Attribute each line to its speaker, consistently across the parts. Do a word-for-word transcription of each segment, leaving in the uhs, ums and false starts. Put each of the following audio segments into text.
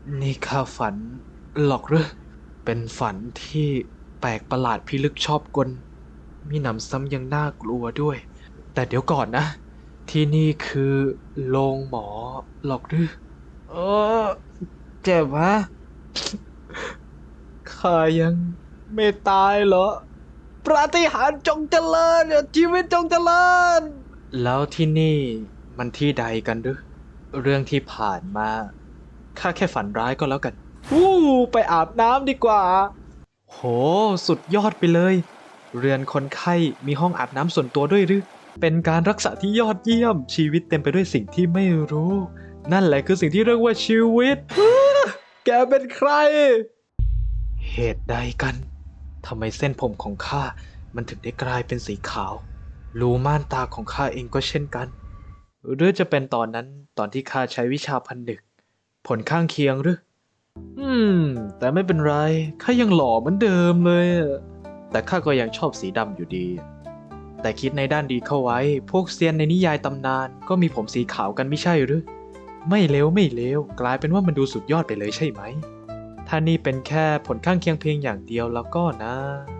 Speaker 1: นี่ข้าฝันหรอกหรือเป็นฝันที่แปลกประหลาดพิลึกชอบกลมีหนำซ้ำยังน่ากลัวด้วย แต่เดี๋ยวก่อนนะ ที่นี่คือโรงหมอหรอกหรือเออเจ็บฮะข้ายังไม่ตายเหรอปาฏิหาริย์จงเจริญชีวิตจงเจริญแล้วที่นี่มันที่ใดกันหรือเรื่องที่ผ่านมาข้าแค่ฝันร้ายก็แล้วกันวู้ไปอาบน้ำดีกว่าโหสุดยอดไปเลยเรือนคนไข้มีห้องอาบน้ำส่วนตัวด้วยหรือเป็นการรักษาที่ยอดเยี่ยมชีวิตเต็มไปด้วยสิ่งที่ไม่รู้นั่นแหละคือสิ่งที่เรียกว่าชีวิตแกเป็นใครเหตุใดกันทำไมเส้นผมของข้ามันถึงได้กลายเป็นสีขาวรูม่านตาของข้าเองก็เช่นกันหรือจะเป็นตอนนั้นตอนที่ข้าใช้วิชาพันนึกผลข้างเคียงหรืออืมแต่ไม่เป็นไรข้ายังหล่อเหมือนเดิมเลยแต่ข้าก็ยังชอบสีดำอยู่ดีแต่คิดในด้านดีเข้าไว้พวกเซียนในนิยายตำนานก็มีผมสีขาวกันไม่ใช่หรือไม่เลวไม่เลวกลายเป็นว่ามันดูสุดยอดไปเลยใช่ไหมถ้านี่เป็นแค่ผลข้างเคียงเพียงอย่างเดียวแล้วก็นะ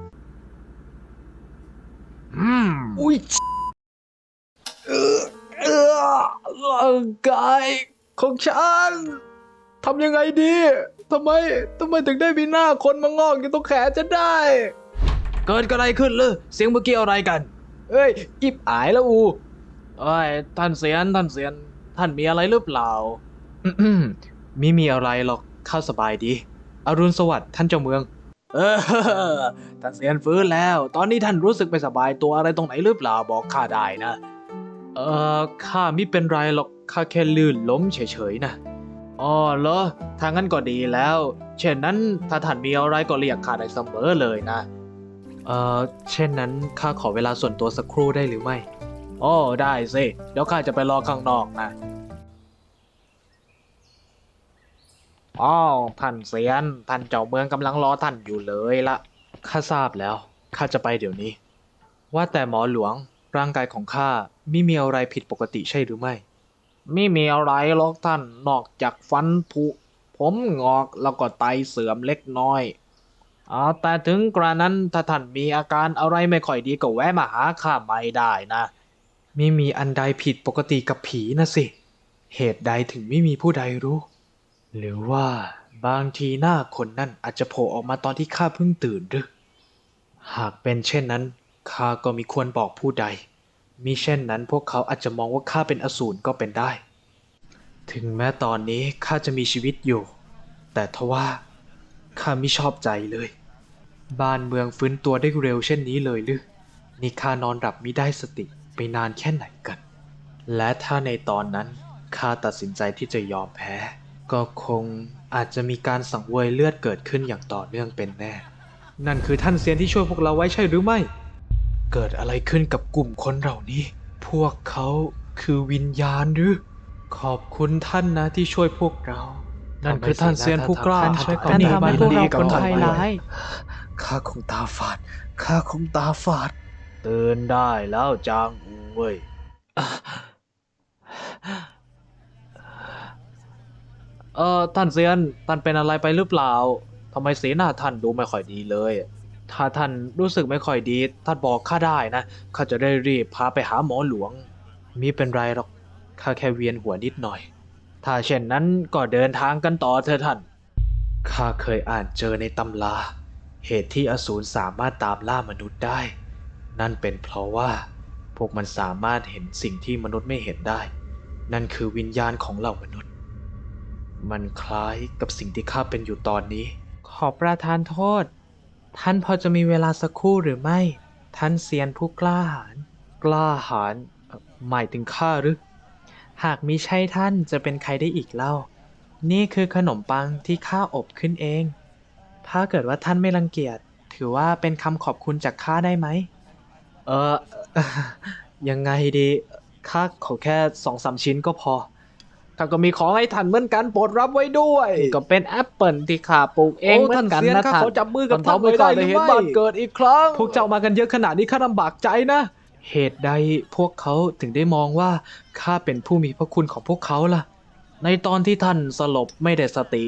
Speaker 1: อืมอุ้ยเออเออร่างกายของฉันทำยังไงดีทำไมทำไมถึงได้มีหน้าคนมางอกอยู่ตรงแขนจะได้เกิดอะไรขึ้นเลยเสียงเมื่อกี้อะไรกันเอ้ยอิบอายแล้วอูเอ้ยท่านเสียนท่านเสียนท่านมีอะไรหรือเปล่าอืมไม่มีอะไรหรอกข้าสบายดีอรุณสวัสดิ์ท่านเจ้าเมืองเออท่านเสียนฟื้นแล้วตอนนี้ท่านรู้สึกไม่สบายตัวอะไรตรงไหนหรือเปล่าบอกข้าได้นะเออข้าไม่เป็นไรหรอกข้าแค่ลื่นล้มเฉยๆนะอ๋อเหรอถ้างั้นก็ดีแล้วเช่นนั้นถ้าท่านมีอะไรก็เรียกข้าได้เสมอเลยนะเออเช่นนั้นข้าขอเวลาส่วนตัวสักครู่ได้หรือไม่อ๋อได้สิเดี๋ยวข้าจะไปรอข้างนอกนะอ๋อท่านเซียนท่านเจ้าเมืองกำลังรอท่านอยู่เลยละข้าทราบแล้วข้าจะไปเดี๋ยวนี้ว่าแต่หมอหลวงร่างกายของข้าไม่มีอะไรผิดปกติใช่หรือไม่ไม่มีอะไรหรอกท่านนอกจากฟันผุผมงอกแล้วก็ไตเสื่อมเล็กน้อยอ๋อแต่ถึงกระนั้นถ้าท่านมีอาการอะไรไม่ค่อยดีก็แวะมาหาข้าไม่ได้นะไม่มีอันใดผิดปกติกับผีนะสิเหตุใดถึงไม่มีผู้ใดรู้ หรือว่าบางทีหน้าคนนั่นอาจจะโผล่ออกมาตอนที่ข้าเพิ่งตื่นหรือหากเป็นเช่นนั้นข้าก็มิควรบอกผู้ใดมิเช่นนั้นพวกเขาอาจจะมองว่าข้าเป็นอสูรก็เป็นได้ถึงแม้ตอนนี้ข้าจะมีชีวิตอยู่แต่ทว่าข้าไม่ชอบใจเลยบ้านเมืองฟื้นตัวได้เร็วเช่นนี้เลยหรือนี่ข้านอนหลับมิได้สติไปนานแค่ไหนกันและถ้าในตอนนั้นข้าตัดสินใจที่จะยอมแพ้ ก็คงอาจจะมีการสังเวยเลือดเกิดขึ้นอย่างต่อเนื่องเป็นแน่ นั่นคือท่านเซียนที่ช่วยพวกเราไว้ใช่หรือไม่ เกิดอะไรขึ้นกับกลุ่มคนเหล่านี้ พวกเขาคือวิญญาณหรือ ขอบคุณท่านนะที่ช่วยพวกเรา นั่นคือท่านเซียนผู้กล้า
Speaker 2: ท่านช่วยท่านทำให้พวกเราพ้นภัยร้าย
Speaker 1: ข้าคงตาฝาด ข้าคงตาฝาดตื่นได้แล้วจางอูเว้ย เออท่านเซียนท่านเป็นอะไรไปหรือเปล่าทำไมสีหน้าท่านดูไม่ค่อยดีเลยถ้าท่านรู้สึกไม่ค่อยดีท่านบอกข้าได้นะข้าจะได้รีบพาไปหาหมอหลวงมิเป็นไรหรอกข้าแค่เวียนหัวนิดหน่อยถ้าเช่นนั้นก็เดินทางกันต่อเถอะท่านข้าเคยอ่านเจอในตำราเหตุที่อสูรสามารถตามล่ามนุษย์ได้นั่นเป็นเพราะว่าพวกมันสามารถเห็นสิ่งที่มนุษย์ไม่เห็นได้นั่นคือวิญญาณของเหล่ามนุษย์ มันคล้ายกับสิ่งที่ข้าเป็นอยู่ตอนนี้ ขอประทานโทษ ท่านพอจะมีเวลาสักครู่หรือไม่ ท่านเซียนผู้กล้าหาญกล้าหาญเอ่อหมายถึงข้าหรือ หากมิใช่ท่านจะเป็นใครได้อีกเล่า นี่คือขนมปังที่ข้าอบขึ้นเอง ถ้าเกิดว่าท่านไม่รังเกียจ ถือว่าเป็นคำขอบคุณจากข้าได้ไหม เออ ยังไงดีข้าขอแค่สองสามชิ้นก็พอข้าก็มีของให้ท่านเหมือนกันโปรดรับไว้ด้วยก็เป็นแอปเปิลที่ข้าปลูกเองเหมือนกันนะท่านขอจับมือกับท่านไว้ได้หรือไม่บ้านเกิดอีกครั้งพวกเจ้ามากันเยอะขนาดนี้ข้าลำบากใจนะเหตุใดพวกเขาถึงได้มองว่าข้าเป็นผู้มีพระคุณของพวกเขาล่ะในตอนที่ท่านสลบไม่ได้สติ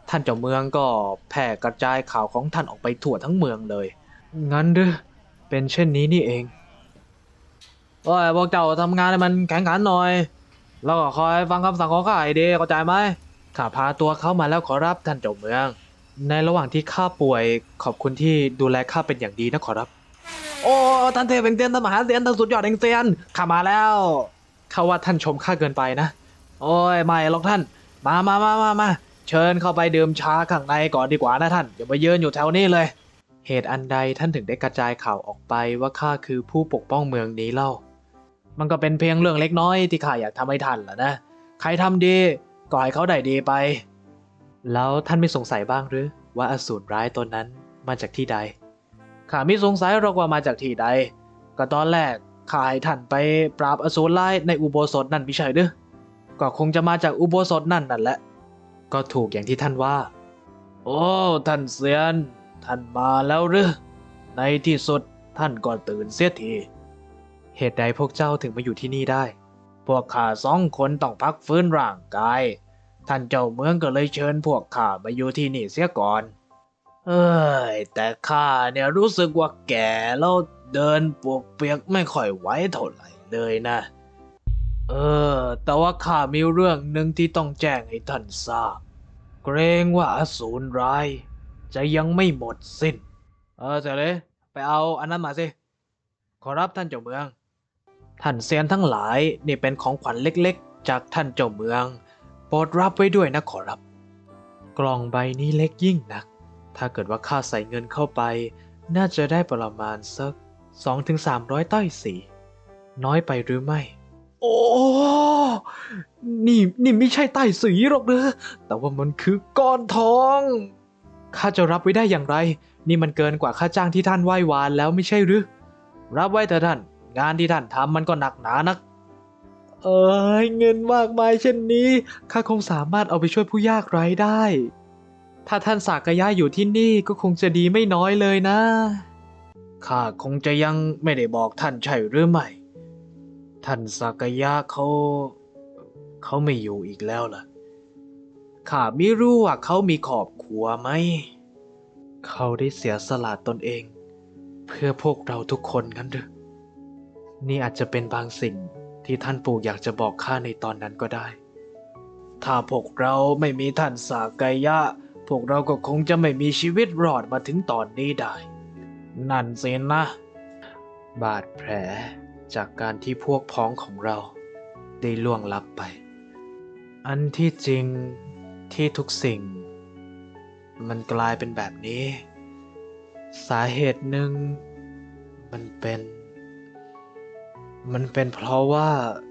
Speaker 1: ท่านเจ้าเมืองก็แผ่กระจายข่าวของท่านออกไปทั่วทั้งเมืองเลย งั้นหรือเป็นเช่นนี้นี่เองโอ้ยพวกเจ้าทำงานให้มันแข็งขันหน่อย แล้วก็คอยฟังคำสั่งของข้าให้ดีเข้าใจไหมข้าพาตัวเขามาแล้วขอรับท่านเจ้าเมือง ในระหว่างที่ข้าป่วยขอบคุณที่ดูแลข้าเป็นอย่างดีนะขอรับ โอ้ท่านเทพแห่งเซียนท่านมหาเซียนท่านสุดยอดแห่งเซียนข้ามาแล้วข้าว่าท่านชมข้าเกินไปนะ โอ้ยไม่หรอกท่าน มามามามามาเชิญเข้าไปดื่มชาข้างในก่อนดีกว่านะท่านอย่ามายืนอยู่แถวนี้เลย เหตุอันใดท่านถึงได้กระจายข่าวออกไปว่าข้าคือผู้ปกป้องเมืองนี้เล่า มันก็เป็นเพียงเรื่องเล็กน้อยที่ข้าอยากทำให้ท่านแหละนะ ใครทำดีก็ให้เขาได้ดีไป แล้วท่านไม่สงสัยบ้างหรือว่าอสูรร้ายตนนั้นมาจากที่ใด ข้าไม่สงสัยหรอกว่ามาจากที่ใด ก็ตอนแรกข้าให้ท่านไปปราบอสูรร้ายในอุโบสถนั่นไม่ใช่หรือก็คงจะมาจากอุโบสถนั่นนั่นแหละ ก็ถูกอย่างที่ท่านว่า โอ้ท่านเซียน ท่านมาแล้วหรือ ในที่สุดท่านก็ตื่นเสียที เหตุใดพวกเจ้าถึงมาอยู่ที่นี่ได้ พวกข้าสองคนต้องพักฟื้นร่างกาย ท่านเจ้าเมืองก็เลยเชิญพวกข้ามาอยู่ที่นี่เสียก่อน เอ้ยแต่ข้าเนี่ยรู้สึกว่าแก่แล้วเดินปวกเปียกไม่ค่อยไหวเท่าไหร่เลยนะ เออ แต่ว่าข้ามีเรื่องหนึ่งที่ต้องแจ้งให้ท่านทราบ เกรงว่าอสูรร้ายจะยังไม่หมดสิ้น เออเสร็จเลยไปเอาอันนั้นมาสิ ขอรับท่านเจ้าเมือง ท่านเซียนทั้งหลายนี่เป็นของขวัญเล็กๆจากท่านเจ้าเมือง โปรดรับไว้ด้วยนะขอรับ กล่องใบนี้เล็กยิ่งนัก ถ้าเกิดว่าข้าใส่เงินเข้าไป น่าจะได้ประมาณสัก สองถึงสามร้อย ต้อยสีน้อยไปหรือไม่ โอ้ นี่นี่ไม่ใช่ใต้สีหรอกเนอะแต่ว่ามันคือก้อนทอง ข้าจะรับไว้ได้อย่างไร นี่มันเกินกว่าค่าจ้างที่ท่านไหว้วานแล้วไม่ใช่หรือ รับไว้เถอะท่าน งานที่ท่านทำมันก็หนักหนานัก เอ้ยเงินมากมายเช่นนี้ ข้าคงสามารถเอาไปช่วยผู้ยากไร้ได้ ถ้าท่านสากยะอยู่ที่นี่ก็คงจะดีไม่น้อยเลยนะ ข้าคงจะยังไม่ได้บอกท่านใช่หรือไม่ ท่านสากยะเขา เขาไม่อยู่อีกแล้วล่ะ ข้าไม่รู้ว่าเขามีครอบครัวไหม เขาได้เสียสละตนเอง เพื่อพวกเราทุกคนงั้นหรือ นี่อาจจะเป็นบางสิ่งที่ท่านปู่อยากจะบอกข้าในตอนนั้นก็ได้ ถ้าพวกเราไม่มีท่านสากยะ พวกเราก็คงจะไม่มีชีวิตรอดมาถึงตอนนี้ได้ นั่นสินะ บาดแผลจากการที่พวกพ้องของเราได้ล่วงลับไป อันที่จริงที่ทุกสิ่ง มันกลายเป็นแบบนี้ สาเหตุหนึ่งมันเป็น มันเป็นเพราะว่า